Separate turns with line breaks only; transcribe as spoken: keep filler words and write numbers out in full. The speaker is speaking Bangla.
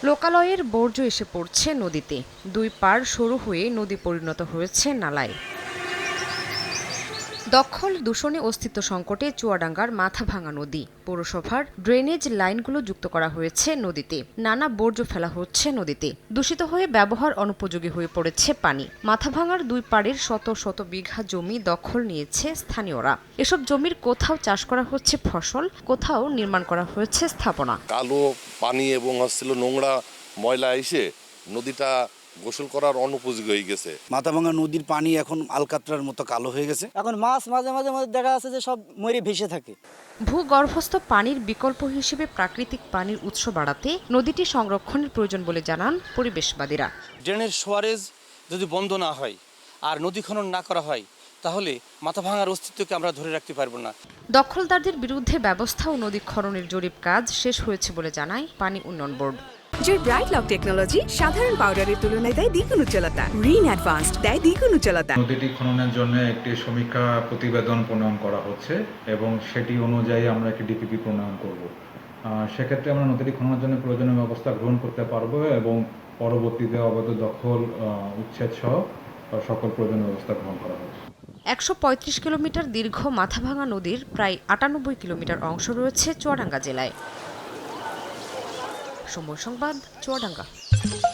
লোকালয়ের বর্জ্য এসে পড়ছে নদীতে, দুই পাড় সরু হয়ে নদী পরিণত হয়েছে নালায়। দখল, দূষণে অস্তিত্ব সংকটে চুয়াডাঙ্গার মাথাভাঙা নদী। পৌরসভার ড্রেনেজ লাইনগুলো যুক্ত করা হয়েছে নদীতে। নানা বর্জ্য ফেলা হচ্ছে নদীতে। দূষিত হয়ে ব্যবহার অনুপযোগী হয়ে পড়েছে পানি। মাথাভাঙার দুই পাড়ের শত শত বিঘা জমি দখল নিয়েছে স্থানীয়রা। এসব জমির কোথাও চাষ করা হচ্ছে ফসল, কোথাও নির্মাণ করা হয়েছে স্থাপনা।
কালো পানি এবং হচ্ছিল নোংরা ময়লা এসে নদীটা গোসল করার অনুপযোগী হয়ে গেছে।
মাথাভাঙা নদীর পানি এখন আলকাতরার মতো কালো হয়ে গেছে।
এখন মাছ মাঝে মাঝে মাঝে দেখা যাচ্ছে যে সব মরে ভেসে থাকে।
ভূগর্ভস্থ পানির বিকল্প হিসেবে প্রাকৃতিক পানির উৎস বাড়াতে নদীটি সংরক্ষণের প্রয়োজন বলে জানান পরিবেশবাদীরা।
ড্রেনের সোয়ারেজ যদি বন্ধ না হয় আর নদী খনন না করা হয় তাহলে মাথাভাঙার অস্তিত্বকে আমরা ধরে রাখতে পারবো না।
দখলদারদের বিরুদ্ধে ব্যবস্থা ও নদী খননের জরিপ কাজ শেষ হয়েছে বলে জানায় পানি উন্নয়ন বোর্ড।
যে ব্রাইট লক টেকনোলজি সাধারণ পাউডারের তুলনায় দেয় দ্বিগুণ উজ্জ্বলতা, রিন অ্যাডভান্সড দেয় দ্বিগুণ উজ্জ্বলতা।
নদীটি খননের জন্য একটি সমীক্ষা প্রতিবেদন প্রণয়ন করা হচ্ছে এবং সেটি অনুযায়ী আমরা একটি ডিপিপি প্রণয়ন করব। সেক্ষেত্রে আমরা নদীটি খননের জন্য প্রয়োজনীয় ব্যবস্থা গ্রহণ করতে পারবো এবং পরবর্তীতে অবৈধ দখল উচ্ছেদ সহ সকল প্রয়োজনীয় ব্যবস্থা গ্রহণ করা হবে।
একশো পঁয়ত্রিশ কিলোমিটার দীর্ঘ মাথাভাঙা নদীর প্রায় আটানব্বই কিলোমিটার অংশ রয়েছে চুয়াডাঙ্গা জেলায়। সময় সংবাদ, চুয়াডাঙ্গা।